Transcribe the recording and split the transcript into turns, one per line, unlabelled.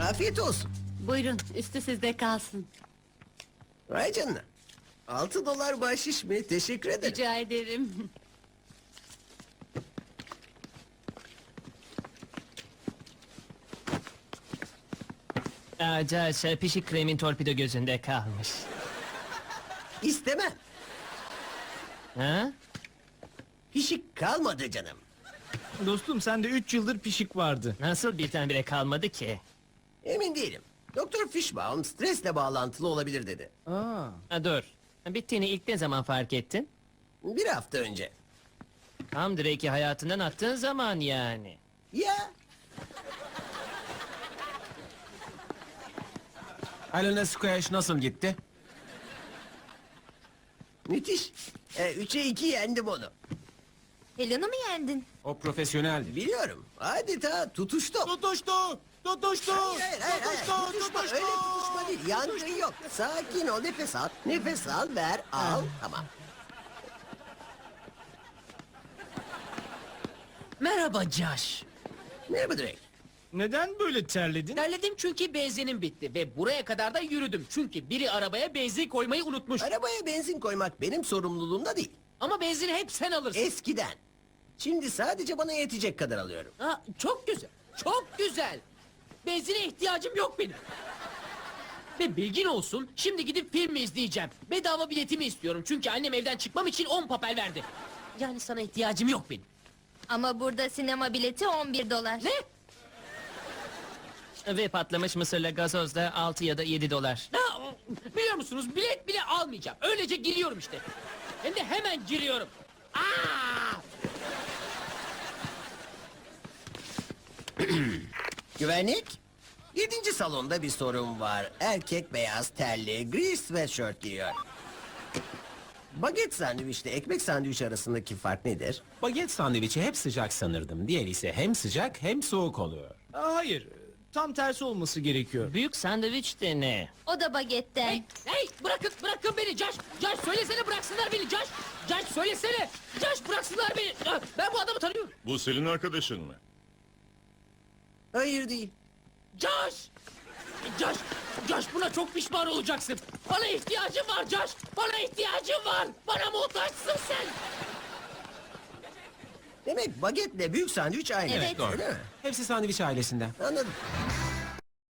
Afiyet olsun.
Buyurun, üstü sizde kalsın.
Vay canına. 6 dolar bahşiş mi? Teşekkür ederim.
Rica ederim.
Josh, pişik kremin torpido gözünde kalmış.
İstemem.
Ha?
Pişik kalmadı canım.
Dostum sende 3 yıldır pişik vardı.
Nasıl birdenbire kalmadı ki?
Emin değilim. Doktor Fishbaum stresle bağlantılı olabilir dedi.
Aa.
Ha, dur. Bittiğini ilk ne zaman fark ettin?
Bir hafta önce.
Tam Drake'i hayatından attığın zaman yani.
Ya
Helena Squash nasıl gitti?
müthiş. 3'e 2 yendim onu.
Helen'ı mı yendin?
O profesyoneldi.
Biliyorum. Adeta tutuştum.
Tutuştu! Tutuştu!
Hayır. Tutuşma. Öyle tutuşma değil. Yangın yok. Sakin ol. Nefes al. Nefes al. Ver. Al. Tamam.
Merhaba Josh.
Merhaba Drake.
Neden böyle terledin?
Terledim çünkü benzinim bitti ve buraya kadar da yürüdüm. Çünkü biri arabaya benzin koymayı unutmuş.
Arabaya benzin koymak benim sorumluluğumda değil.
Ama benzini hep sen alırsın.
Eskiden. Şimdi sadece bana yetecek kadar alıyorum.
Ha, çok güzel. Çok güzel. Benzine ihtiyacım yok benim. Ve bilgin olsun, şimdi gidip film izleyeceğim. Bedava biletimi istiyorum çünkü annem evden çıkmam için 10 papel verdi. Yani sana ihtiyacım yok benim.
Ama burada sinema bileti 11 dolar.
Ne?
Ve patlamış mısırla gazoz da 6 ya da 7 dolar.
Ha, biliyor musunuz, bilet bile almayacağım. Öylece giriyorum işte. Hem de hemen giriyorum. Aa!
Güvenlik. 7. salonda bir sorun var. Erkek beyaz terli, gri sweatshirt giyiyor. Baget sandviçle ekmek sandviç arasındaki fark nedir?
Baget sandviçi hep sıcak sanırdım. Diğeri ise hem sıcak hem soğuk oluyor.
Hayır. Tam tersi olması gerekiyor.
Büyük sandviç de ne?
O da bagetten.
Hey, bırakın beni Josh. Josh söylesene bıraksınlar beni Josh. Josh söylesene. Josh bıraksınlar beni. Ben bu adamı tanıyorum.
Bu senin arkadaşın mı?
Hayır değil.
Josh. Josh buna çok pişman olacaksın. Bana ihtiyacım var Josh. Bana ihtiyacım var. Bana muhtaçsın sen.
Demek bagetle büyük sandviç aynı.
Evet.
Doğru.
Öyle mi?
Hepsi sandviç ailesinden.
Anladım.